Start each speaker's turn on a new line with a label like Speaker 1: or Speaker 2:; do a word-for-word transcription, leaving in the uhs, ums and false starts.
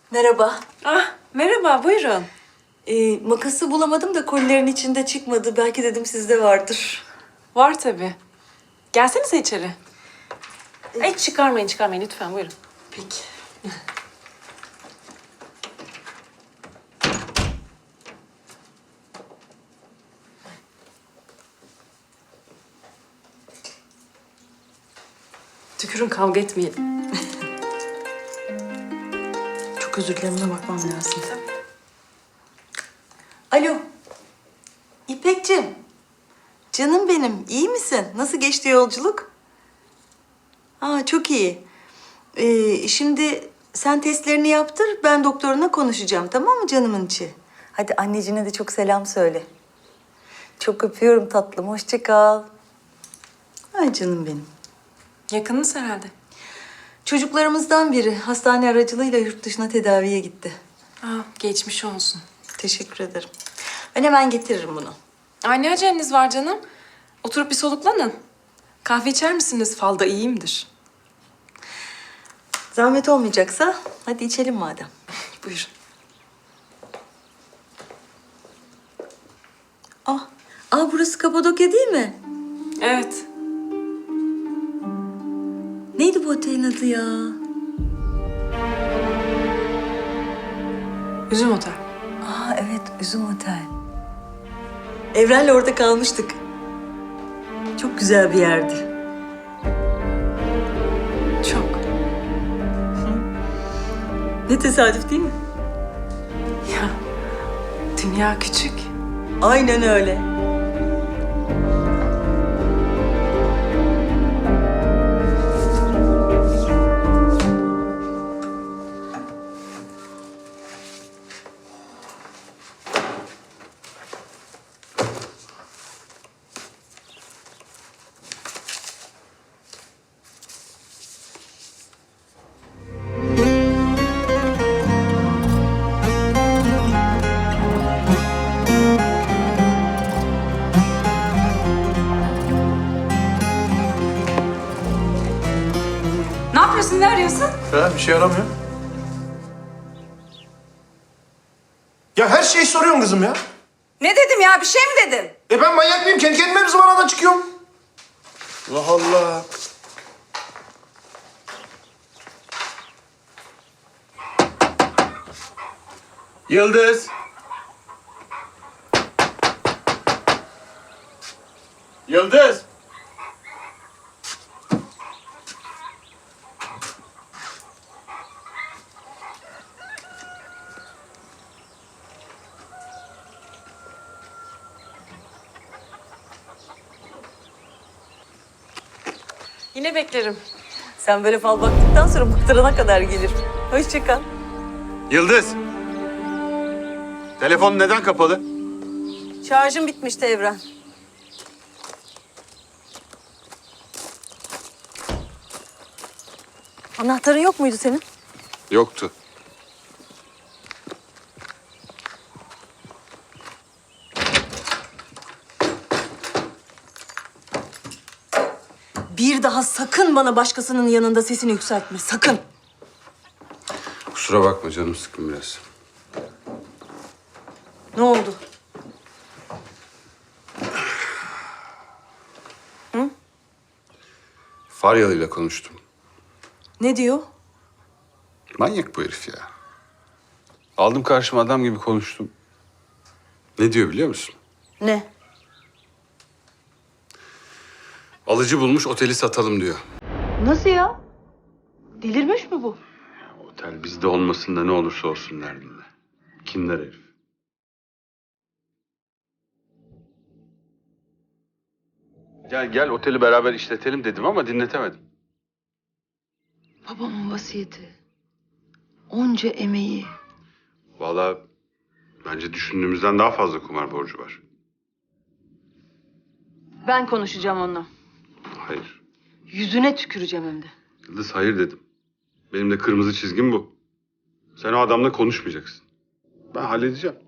Speaker 1: Merhaba.
Speaker 2: Ah, merhaba, buyurun.
Speaker 1: Ee, makası bulamadım da kolilerin içinde çıkmadı. Belki dedim sizde vardır.
Speaker 2: Var tabii. Gelsenize içeri. Ay çıkarmayın, çıkarmayın lütfen, buyurun.
Speaker 1: Peki.
Speaker 2: Tükürün, kavga etmeyelim.
Speaker 1: Çok özür dilerim, ona bakmam lazım. Alo. İpekciğim. Canım benim, iyi misin? Nasıl geçti yolculuk? Aa, çok iyi. Ee, şimdi sen testlerini yaptır, ben doktoruna konuşacağım, tamam mı canımın içi? Hadi annecine de çok selam söyle. Çok öpüyorum tatlım, hoşça kal. Ay canım benim.
Speaker 2: Yakınız herhalde.
Speaker 1: Çocuklarımızdan biri hastane aracılığıyla yurt dışına tedaviye gitti.
Speaker 2: Aa, geçmiş olsun.
Speaker 1: Teşekkür ederim. Ben hemen getiririm bunu.
Speaker 2: Ay ne aceleniz var canım? Oturup bir soluklanın. Kahve içer misiniz? Falda iyiyimdir.
Speaker 1: Zahmet olmayacaksa hadi içelim madem.
Speaker 2: Buyurun.
Speaker 1: Ah, ah burası Kapadokya değil mi?
Speaker 2: Evet.
Speaker 1: Neydi bu otelin adı ya?
Speaker 2: Üzüm Otel.
Speaker 1: Aa evet, Üzüm Otel. Evren'le orada kalmıştık. Çok güzel bir yerdi.
Speaker 2: Çok.
Speaker 1: Ne tesadüf değil mi?
Speaker 2: Ya, dünya küçük.
Speaker 1: Aynen öyle.
Speaker 2: Ne yapıyorsun, ne arıyorsun?
Speaker 3: Ya bir şey aramıyor. Ya her şeyi soruyorsun kızım ya.
Speaker 4: Ne dedim ya? Bir şey mi dedim?
Speaker 3: E ben manyak mıyım? Kendi kendime mi zıvanadan çıkıyorum? Allah Allah. Yıldız. Yıldız.
Speaker 2: Yine beklerim.
Speaker 1: Sen böyle fal baktıktan sonra bıktırana kadar gelir. Hoşça kal.
Speaker 5: Yıldız. Telefon neden kapalı?
Speaker 1: Şarjım bitmişti Evren. Anahtarın yok muydu senin?
Speaker 5: Yoktu.
Speaker 1: Bir daha sakın bana başkasının yanında sesini yükseltme, sakın.
Speaker 5: Kusura bakma, canım sıkkın biraz.
Speaker 1: Ne oldu?
Speaker 5: Faryalı ile konuştum.
Speaker 1: Ne diyor?
Speaker 5: Manyak bu herif ya. Aldım karşıma, adam gibi konuştum. Ne diyor biliyor musun?
Speaker 1: Ne?
Speaker 5: Alıcı bulmuş, oteli satalım diyor.
Speaker 1: Nasıl ya? Delirmiş mi bu?
Speaker 5: Otel bizde olmasın da ne olursa olsun derdinde. Kinler herif. Gel gel oteli beraber işletelim dedim ama dinletemedim.
Speaker 1: Babamın vasiyeti. Onca emeği.
Speaker 5: Vallahi bence düşündüğümüzden daha fazla kumar borcu var.
Speaker 1: Ben konuşacağım onunla.
Speaker 5: Hayır.
Speaker 1: Yüzüne tüküreceğim hem de.
Speaker 5: Yıldız hayır dedim. Benim de kırmızı çizgim bu. Sen o adamla konuşmayacaksın. Ben halledeceğim.